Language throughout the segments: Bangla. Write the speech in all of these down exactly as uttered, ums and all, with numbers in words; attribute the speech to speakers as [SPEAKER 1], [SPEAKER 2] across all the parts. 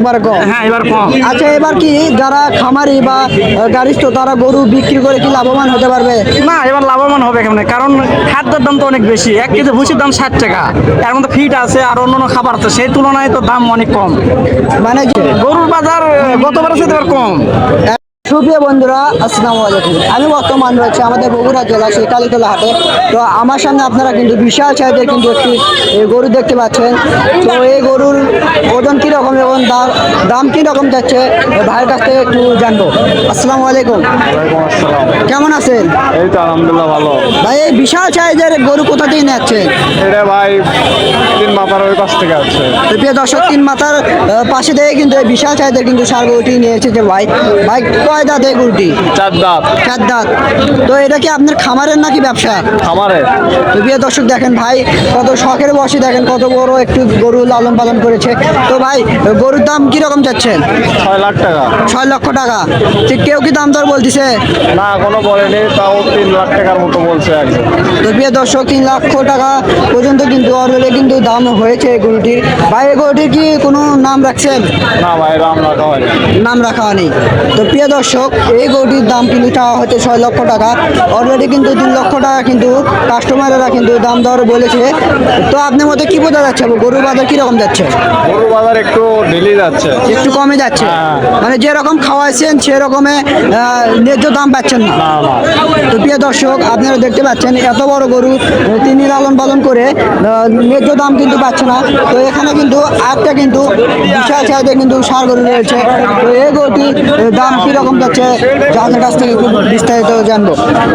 [SPEAKER 1] একবার কম।
[SPEAKER 2] হ্যাঁ এবার কম।
[SPEAKER 1] আচ্ছা, এবার কি যারা খামারি বা গাড়িস্থ তারা গরু বিক্রি করে কি লাভবান হতে পারবে?
[SPEAKER 2] না এবার লাভবান হবে কেমনে, কারণ খাদ্যের দাম তো অনেক বেশি। এক কেজি ভুসির দাম ষাট টাকা, এর মধ্যে ফিট আছে আর অন্যান্য খাবার আছে, সেই তুলনায় তো দাম অনেক কম।
[SPEAKER 1] মানে যে
[SPEAKER 2] গরুর বাজার গতবারের সাথে এবার কম।
[SPEAKER 1] সুপ্রিয় বন্ধুরা, আসসালামু আলাইকুম। আমি বর্তমান রয়েছে আমাদের বগুড়া জেলা সেই কালীতলা হাটে। তো আমার সামনে আপনারা কিন্তু বিশাল সাইজের কিন্তু একটি এ, গরু দেখতে পাচ্ছেন। তো এই গরুর ওজন কীরকম এবং দাম দাম কীরকম যাচ্ছে ভাইয়ের কাছ থেকে একটু জানবো। আসসালামু আলাইকুম,
[SPEAKER 3] ওয়ালাইকুম আসসালাম।
[SPEAKER 1] কেমন আছেন
[SPEAKER 3] এই তো আলহামদুলিল্লাহ ভালো।
[SPEAKER 1] ভাই? এই বিশাল সাইজের গরু কোথা থেকে যাচ্ছেন?
[SPEAKER 3] এটা ভাই তিন মাথার ওই পাশ থেকে আছে।
[SPEAKER 1] তো প্রিয় দর্শক, তিন মাথার আহ, পাশে থেকে কিন্তু এই বিশাল সাইজের কিন্তু সার গরুটি নিয়ে এসেছে ভাই। ভাই কয় দাঁত এই গরুটি?
[SPEAKER 3] চার দাঁত।
[SPEAKER 1] চার দাঁত। তো এটা কি আপনার খামারের নাকি ব্যবসা?
[SPEAKER 3] খামারে।
[SPEAKER 1] তো প্রিয় দর্শক দেখেন ভাই কত শখের বসে, দেখেন কত বড় একটু গরু লালন পালন করেছে। তো ভাই গরুর দাম কিরকম চাচ্ছেন?
[SPEAKER 3] ছয় লাখ টাকা।
[SPEAKER 1] ছয় লক্ষ টাকা। ঠিক কেউ কি দাম দর বলতেছে?
[SPEAKER 3] না কোনো বলেনি, তাও তিন লাখ টাকার মতো বলছে একজন।
[SPEAKER 1] তো প্রিয় দর্শক, তিন লক্ষ টাকা পর্যন্ত কিন্তু অলরেডি কিন্তু দাম হয়েছে এই গরুটির। ভাই এই গরুটির কি কোনো নাম রাখছেন?
[SPEAKER 3] না ভাই রাম রাখা হয়নি।
[SPEAKER 1] নাম রাখা হয়নি। তো প্রিয় দর্শক, এই গরুটির দাম কিন্তু চাওয়া হচ্ছে ছয় লক্ষ টাকা। অলরেডি কিন্তু তিন লক্ষ টাকা কিন্তু কাস্টমারেরা কিন্তু দাম দর বলেছে। তো আপনার মতে কি বোঝা যাচ্ছে গরুর বাজার কিরকম যাচ্ছে?
[SPEAKER 3] গরু বাজার একটু ঢিলি যাচ্ছে।
[SPEAKER 1] একটু কমে যাচ্ছে,
[SPEAKER 3] হ্যাঁ।
[SPEAKER 1] মানে যেরকম খাওয়াইছেন সেরকমে আহ, ন্যায্য দাম পাচ্ছেন না।
[SPEAKER 3] না না।
[SPEAKER 1] তো প্রিয় দর্শক, আপনারা দেখতে পাচ্ছেন এত বড় গরু আহ, তিনি লালন পালন করে আহ, ন্যায্য দাম কিন্তু পাচ্ছে না। তো এখানে কিন্তু আরেকটা কিন্তু বিশাল সাইজের কিন্তু সার গরু রয়েছে। তো এই গরুটির আহ, দাম কিরকম যাচ্ছে যাদের কাছ থেকে খুব বিস্তারিত জানবো।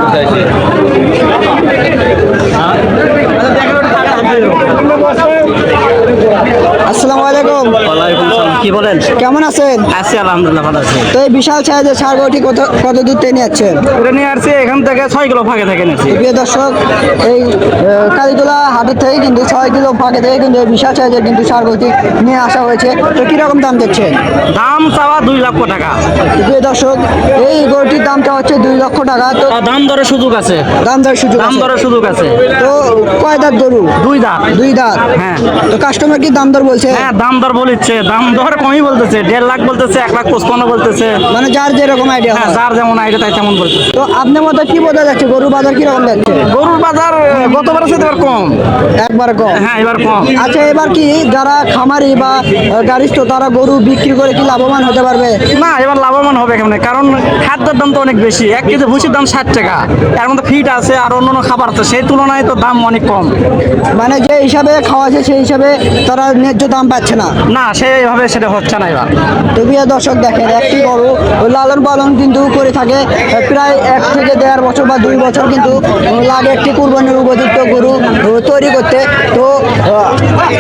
[SPEAKER 1] আসসালামু আলাইকুম,
[SPEAKER 2] ওয়ালাইকুম আসসালাম। কি বলেন?
[SPEAKER 1] কেমন আছেন?
[SPEAKER 2] আছি আলহামদুলিল্লাহ ভালো আছি।
[SPEAKER 1] তো এই বিশাল সাইজের সার গরুটি কত কত দূর থেকে নিয়ে যাচ্ছেন?
[SPEAKER 2] এটা নিয়ে আসছি এখান থেকে ছয় কিলো ফাঁকে থেকে নিয়েছি।
[SPEAKER 1] প্রিয় দর্শক, এই আহ, কালীতলা হাটের থেকে কিন্তু ছয় কিলো ফাঁকে থেকে কিন্তু এই বিশাল সাইজের কিন্তু সার গরুটি নিয়ে আসা হয়েছে। তো কিরকম দাম দিচ্ছেন?
[SPEAKER 2] দাম চাওয়া দুই লক্ষ টাকা।
[SPEAKER 1] প্রিয় দর্শক, এই গরুটির দামটা হচ্ছে দুই লক্ষ টাকা। তো
[SPEAKER 2] আর দাম দরের সুযোগ আছে।
[SPEAKER 1] দাম দর সুযোগ
[SPEAKER 2] দাম
[SPEAKER 1] আছে।
[SPEAKER 2] দরের সুযোগ আছে।
[SPEAKER 1] তো কয় দাঁত গরু?
[SPEAKER 2] দুই দাঁত।
[SPEAKER 1] দুই দাঁত।
[SPEAKER 2] হ্যাঁ।
[SPEAKER 1] তো কাস্টমার কি দাম দর বলছে?
[SPEAKER 2] হ্যাঁ দাম দর বলিচ্ছে, দাম দর কমই বলতেছে, দেড় লাখ বলতেছে, এক লাখ পঁচপান্ন বলতেছে।
[SPEAKER 1] মানে যার যেরকম আইডিয়া।
[SPEAKER 2] হ্যাঁ যার যেমন আইডিয়া তাই তেমন বলতেছে।
[SPEAKER 1] তো আপনার মতো কি বোঝা যাচ্ছে গরুর বাজার কিরকম যাচ্ছে?
[SPEAKER 2] গরুর বাজার গতবারের সাথে এবার কম।
[SPEAKER 1] একবার কম।
[SPEAKER 2] হ্যাঁ এবার কম।
[SPEAKER 1] আচ্ছা, এবার কি যারা খামারি বা গাড়িস্থ তারা গরু বিক্রি করে কি লাভবান হতে পারবে?
[SPEAKER 2] না এবার লাভবান হবে কেমনে, কারণ খাদ্যের দাম তো অনেক বেশি। এক কেজি ভুসির দাম ষাট টাকা, এর মধ্যে ফিট আছে আর অন্যান্য খাবার আছে, সেই তুলনায় তো দাম অনেক কম।
[SPEAKER 1] মানে যে হিসাবে খাওয়াছে সেই হিসাবে তারা ন্যায্য দাম পাচ্ছে না।
[SPEAKER 2] না সেইভাবে সেটা হচ্ছে না এবার।
[SPEAKER 1] তো প্রিয় দর্শক দেখেন, একটি গরু লালন পালন কিন্তু করে থাকে প্রায় এক থেকে দেড় বছর বা দুই বছর কিন্তু লাগে একটি কুরবানির উপযুক্ত গরু তৈরি করতে। তো আহ,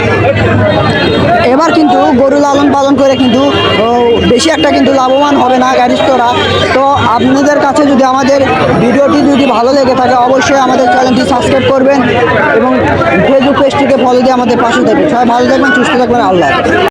[SPEAKER 1] এবার কিন্তু গরু লালন পালন করে কিন্তু আহ, বেশি একটা কিন্তু লাভবান হবে না গাড়িস্থরা। তো আপনাদের কাছে যদি আমাদের ভিডিওটি যদি ভালো লেগে থাকে অবশ্যই আমাদের চ্যানেলটি সাবস্ক্রাইব করবেন এবং ফেসবুক পেজটিকে ফলো দিয়ে আমাদের পাশে থাকবেন। সবাই ভালো থাকবেন, সুস্থ থাকবেন, আল্লাহ হাফেজ।